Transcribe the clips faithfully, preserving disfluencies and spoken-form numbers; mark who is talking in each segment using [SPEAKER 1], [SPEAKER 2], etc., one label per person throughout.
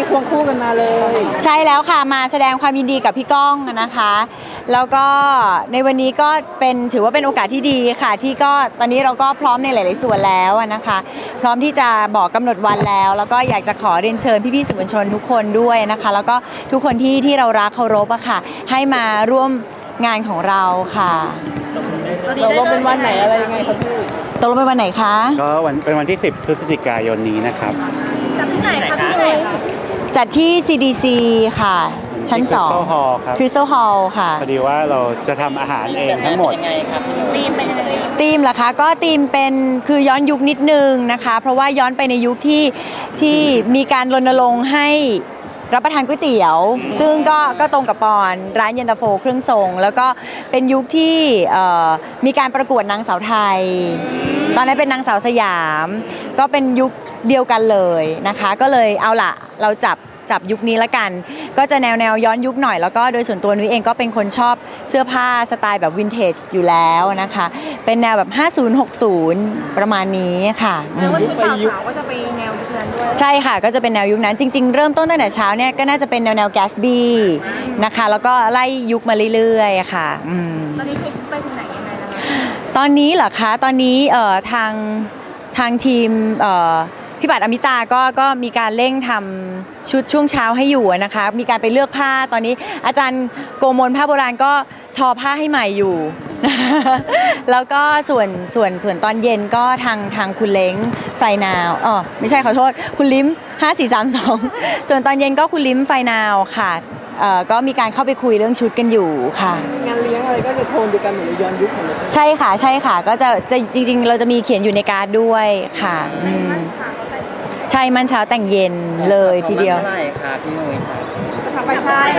[SPEAKER 1] ควงคู่กันมาเลย
[SPEAKER 2] ใช่แล้วค่ะมาแสดงความยินดีกับพี่ก้องนะคะแล้วก็ในวันนี้ก็เป็นถือว่าเป็นโอกาสที่ดีค่ะที่ก็ตอนนี้เราก็พร้อมในหลายๆส่วนแล้วนะคะพร้อมที่จะบอกกำหนดวันแล้วแล้วก็อยากจะขอเรียนเชิญพี่ๆสื่อมวลชนทุกคนด้วยนะคะแล้วก็ทุกคนที่ที่เรารักเคารพอะค่ะให้มาร่วมงานของเราค่ะ
[SPEAKER 1] เราลงเป็นวันไหนอะไรยังไงครับพี่
[SPEAKER 2] ตกลงเป็นวันไหนคะ
[SPEAKER 3] ก็วันเป็นวันที่สิบพฤศจิกายนนี้นะครับ
[SPEAKER 4] จัดที่ไหนคะพี่นุ้ย
[SPEAKER 2] จัดที่ ซี ดี ซี ค่ะชั้นสอง
[SPEAKER 3] Crystal Hall ครับ
[SPEAKER 2] Crystal Hall ค่ะ
[SPEAKER 3] พอดีว่าเราจะทำอาหารเองทั้งหมด
[SPEAKER 4] ยังไงครับธีมเป็นยังไง
[SPEAKER 2] ธีมเหรอคะก็ธีมเป็นคือย้อนยุคนิดนึงนะคะเพราะว่าย้อนไปในยุคที่ที่มีการรณรงค์ให้รับประทานก๋วยเตี๋ยวซึ่งก็ก็ตรงกับปอนร้านเย็นตาโฟเครื่องทรงแล้วก็เป็นยุคที่มีการประกวดนางสาวไทยตอนนั้นเป็นนางสาวสยามก็เป็นยุคเดียวกันเลยนะคะก็เลยเอาล่ะเราจับจับยุคนี้ละกันก็จะแนวแนวย้อนยุคหน่อยแล้วก็โดยส่วนตัวนุ้ยเองก็เป็นคนชอบเสื้อผ้าสไตล์แบบวินเทจอยู่แล้วนะคะเป็นแนวแบบห้าสิบ หกสิบประมาณนี้ค่ะ
[SPEAKER 4] แล้วว่าชุดบ่าวสาวก็จะไปแนวยุคนั้นด้วย
[SPEAKER 2] ใช่ค่ะก็จะเป็นแนวยุคนั้นจริงๆเริ่มต้นตั้งแต่เช้าเนี่ยก็น่าจะเป็นแนวแนวแกสบี้นะคะแล้วก็ไล่ยุคมาเรื่อยๆค่ะ
[SPEAKER 4] ตอนนี้เช็คไปถึงไหนยังไงแล้วคะ
[SPEAKER 2] ตอนนี้เหรอคะตอนนี้เอ่อทางทางทีมเอ่อพี่บัตรอมิตาก็ก็มีการเร่งทำชุดช่วงเช้าให้อยู่นะคะมีการไปเลือกผ้าตอนนี้อาจารย์โกมลผ้าโบราณก็ทอผ้าให้ใหม่อยู่ แล้วก็ส่วนส่วนส่วนตอนเย็นก็ทางทางคุณเล้งไฟนาวอ๋อไม่ใช่ขอโทษคุณลิ้มห้า สี่ สาม สองส่วนตอนเย็นก็คุณลิ้มไฟนาวค่ะเอ่อก็มีการเข้าไปคุยเรื่องชุดกันอยู่ค่ะ
[SPEAKER 1] งานเลี้ยงอะไรก็จะโทนเดียวกันเหมือนย้อนยุคเหมือนกัน
[SPEAKER 2] ใช่ค่ะใช่ค่ะก็จะจะจริงๆเราจะมีเขียนอยู่ในการ์ดด้วยค่ะใช่มันเช้าแต่งเย็นเลยทีเดียว
[SPEAKER 4] ใช่ค่ะพี่นุ้ย
[SPEAKER 1] ทำไปใช่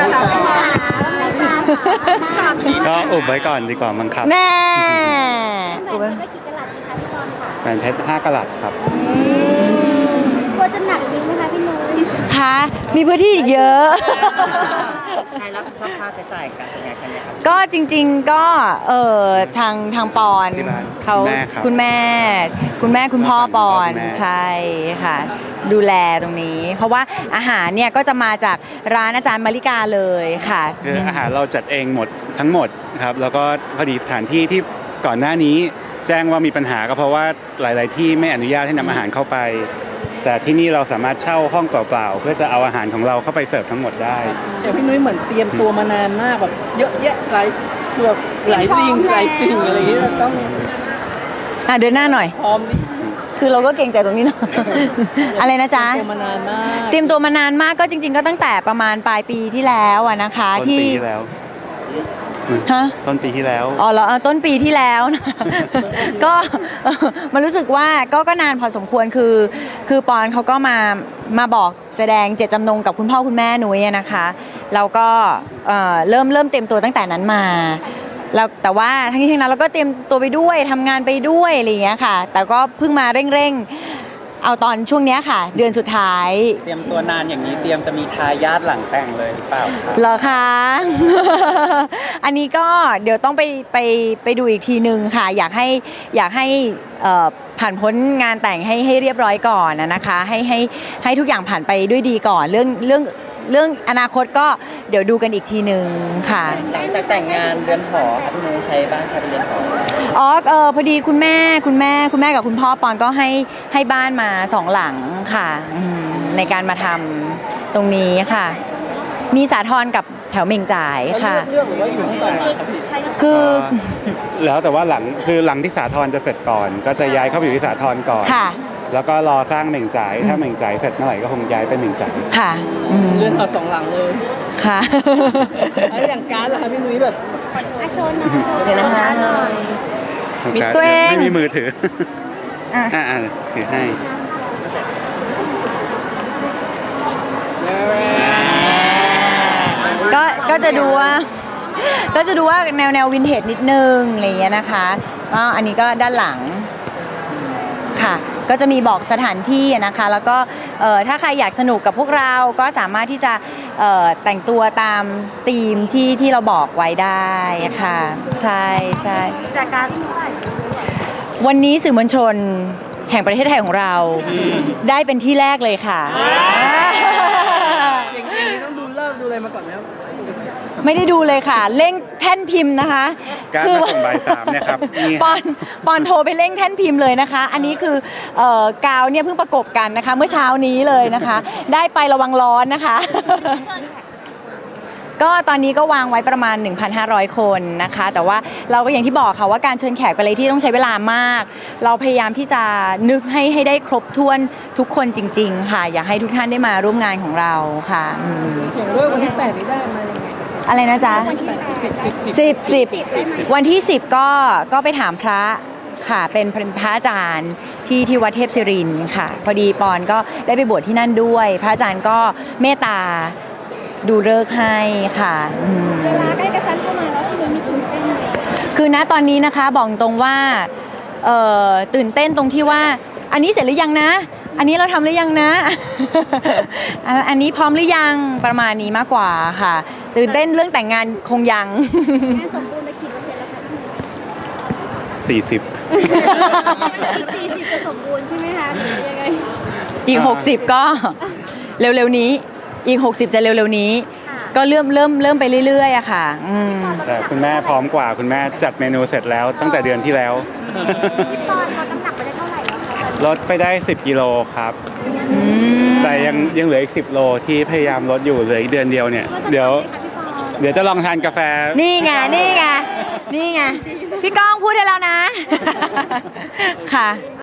[SPEAKER 3] ก็อุบไว้ก่อนดีกว่ามั้งครับ
[SPEAKER 2] แน่
[SPEAKER 5] อุบไว้กี่กะลัดดีคะพี่บอลค่ะ
[SPEAKER 3] แหวนเพชรห้ากะลัดครับ
[SPEAKER 5] กลัวจะหนักดิ้งไหมคะพี่นุ้ย
[SPEAKER 2] คะมีพื้นที่อีกเยอะ
[SPEAKER 4] ใครรับผิดชอบค่าใช้จ่ายการจัดงานครั้งนี้ครับ
[SPEAKER 2] ก็จริงๆก็เออทางทางปอนเขาคุณแม่คุณแม่คุณพ่อปอนใช่ค่ะดูแลตรงนี้เพราะว่าอาหารเนี่ยก็จะมาจากร้านอาจารย์มาริกาเลยค่ะ
[SPEAKER 3] คืออาหารเราจัดเองหมดทั้งหมดครับแล้วก็พอดีสถานที่ที่ก่อนหน้านี้แจ้งว่ามีปัญหาก็เพราะว่าหลายๆที่ไม่อนุญาตให้นำอาหารเข้าไปแต่ที่นี่เราสามารถเช่าห้องเปล่าๆเพื่อจะเอาอาหารของเราเข้าไปเสิร์ฟทั้งหมดได้
[SPEAKER 1] เดี๋ยวพี่นุ้ยเหมือนเตรียมตัวมานานมากแบบเยอะแยะหลายคือแบบหลายสิ่งหลายสิ่งอะไรอย่างเงี้ยต้อง
[SPEAKER 2] อ่ะเดินหน้าหน่อย
[SPEAKER 1] พร้อม
[SPEAKER 2] คือเราก็เก่งใจตรงนี้เนาะอะไรนะจ๊ะ
[SPEAKER 1] เตรียมตัวมานานมาก
[SPEAKER 2] เตรียมตัวมานานมากก็จริงๆก็ตั้งแต่ประมาณปลายปีที่แล้วอะนะคะ
[SPEAKER 3] ที่ต้นปีที่แล้ว
[SPEAKER 2] ฮะ
[SPEAKER 3] ต้นปีที่แล้ว
[SPEAKER 2] อ๋อเหรอต้นปีที่แล้วนะก็มันรู้สึกว่าก็ก็นานพอสมควรคือคือปอนเขาก็มามาบอกแสดงเจตจำนงกับคุณพ่อคุณแม่นุ้ยนะคะแล้วก็เริ่มเริ่มเตรียมตัวตั้งแต่นั้นมาแล้วแต่ว่าทั้งนี้ทั้งนั้นเราก็เตรียมตัวไปด้วยทำงานไปด้วยอะไรอย่างเงี้ยค่ะแต่ก็เพิ่งมาเร่งๆเอาตอนช่วงนี้ค่ะเดือนสุดท้าย
[SPEAKER 4] เตรียมตัวนานอย่างนี้เตรียมจะมีทายาทหลังแต่งเลยหรือเปล่า
[SPEAKER 2] เหรอคะอันนี้ก็เดี๋ยวต้องไปไปไปดูอีกทีนึงค่ะอยากให้อยากให้ผ่านพ้นงานแต่งให้ให้เรียบร้อยก่อนนะคะให้ให้ให้ทุกอย่างผ่านไปด้วยดีก่อนเรื่องเรื่องเรื่องอนาคตก็เดี๋ยวดูกันอีกทีนึงค่ะ
[SPEAKER 4] หลังจากแต่งงานเรือนหอค่ะพี่นุ้ยใช้บ้านค่ะเรือนหอ
[SPEAKER 2] อ๋อเออพอดีคุณแม่คุณแม่คุณแม่กับคุณพ่อปอนก็ให้ให้บ้านมาสองหลังค่ะในการมาทำตรงนี้ค่ะมีสาทรกับแถวเมงจ่ายค่ะ
[SPEAKER 1] เลือกหรือว่าอยู่ทั้งสองหลังครับพี่
[SPEAKER 2] คือ
[SPEAKER 3] แล้วแต่ว่าหลังคือหลังที่สาทรจะเสร็จก่อนก็จะย้ายเข้าไปอยู่ที่สาทรก่อน
[SPEAKER 2] ค่ะ
[SPEAKER 3] แล้วก็รอสร้างเหม่งจ่ายถ้าเหม่งจ่ายเสร็จเมื่อไหร่ก็คงย้ายไปเหม่งจ่าย
[SPEAKER 2] ค่ะ
[SPEAKER 1] เลื่อนเอาสองหลังเลย
[SPEAKER 2] ค่ะ
[SPEAKER 1] แล้วอย่างการ์ดล่ะคะพี่นุ้ยแบบ
[SPEAKER 5] อาโชว์หน่อย
[SPEAKER 2] เดี๋ยวนะคะ
[SPEAKER 3] มีตัวเองไม่มีมือถืออ่าอ่าถือให้
[SPEAKER 2] ก็ก็จะดูว่าก็จะดูว่าแนวแนววินเทจนิดนึงอะไรอย่างเงี้ยนะคะก็อันนี้ก็ด้านหลังค่ะก็จะมีบอกสถานที่นะคะแล้วก็ถ้าใครอยากสนุกกับพวกเราก็สามารถที่จะแต่งตัวตามธีมที่ที่เราบอกไว้ได้ค่ะใช่ใช่
[SPEAKER 4] จากการที่
[SPEAKER 2] วันนี้สื่อมวลชนแห่งประเทศไทยของเราได้เป็นที่แรกเลยค่ะไม่ได้ดูเลยค่ะเร่งแท่นพิมพ์นะคะ
[SPEAKER 3] การ
[SPEAKER 2] คื
[SPEAKER 3] มาส่งบ่ายสามเนี่ยครับนี่
[SPEAKER 2] ปอนปอนโทรไปเร่งแท่นพิมพ์เลยนะคะ อันนี้คือเอ่อกาวเนี่ยเพิ่งประกบกันนะคะ เมื่อเช้านี้เลยนะคะ ได้ไประวังร้อนนะคะ ก็ตอนนี้ก็วางไว้ประมาณ หนึ่งพันห้าร้อย คนนะคะ แต่ว่าเราก็อย่างที่บอกค่ะว่าการเชิญแขกเป็นอะไรที่ต้องใช้เวลามาก เราพยายามที่จะนึกให้ให้ได้ครบถ้วนทุกคนจริง ๆ ค่ะ อยากให้ทุกท่านได้มาร่วมงานของเราค่ะอืม
[SPEAKER 1] อย่างเรื่องวันที่แปดนี้ได้มายังไง
[SPEAKER 2] อะไรนะจ๊ะ
[SPEAKER 1] สิบสิบสิบ
[SPEAKER 2] สิบสิบวันที่สิบก็ก็ไปถามพระค่ะเป็นพระอาจารย์ที่ที่วัดเทพศิรินทร์ค่ะ พอดีปอนก็ได้ไปบวชที่นั่นด้วย พระอาจารย์ก็เมตตาดูฤกษ์ให้ค่ะอืม
[SPEAKER 5] เวลาใกล้กระชั้นเข้ามาแล้วพี่นุ้ยมีตื่นเต้นไหม
[SPEAKER 2] คือณตอนนี้นะคะบอกตรงว่าเอ่อตื่นเต้นตรงที่ว่า อันนี้เสร็จหรือยังนะ อันนี้เราทำหรือยังนะ อันอันนี้พร้อมหรือยังประมาณนี้มากกว่าค่ะ ตื่นเต้นเรื่องแต่งงานคงยัง
[SPEAKER 5] งานสมบูรณ์ไปกี่เปอร์เซ็นต์แล้วคะพี่นุ้ย
[SPEAKER 3] สี่สิบ
[SPEAKER 5] อีกสี่สิบจะสมบูรณ์ใช่ไหมคะหรือยังไง
[SPEAKER 2] อีก หกสิบ ก็เร็วๆนี้ อีก หกสิบ จะเร็วๆนี้
[SPEAKER 5] ค่ะ
[SPEAKER 2] ก็เริ่มเริ่มเริ่มไปเรื่อยๆอะค่ะอืม
[SPEAKER 3] แต่คุณแม่พร้อมกว่าคุณแม่จัดเมนูเสร็จแล้วตั้งแต่เดือนที่แล้ว
[SPEAKER 5] พี่ปอนลดน้ำหนักไปได้เท่าไหร่แล้วคะตอนนี้
[SPEAKER 3] ลดไปได้สิบกิโลครับ
[SPEAKER 2] อืม
[SPEAKER 3] แต่ยังยังเหลืออีกสิบโลที่พยายามลดอยู่เหลืออีกเดือนเดียวเนี่ย
[SPEAKER 5] ว่าจะ
[SPEAKER 3] เดี๋ยว
[SPEAKER 5] ทำไหมคะพี่ปอน
[SPEAKER 3] เดี๋ยวจะลองทานกาแฟ
[SPEAKER 2] นี่ไง นี่ไง นี่ไง พี่ก้องพูดได้แล้วนะ ค่ะ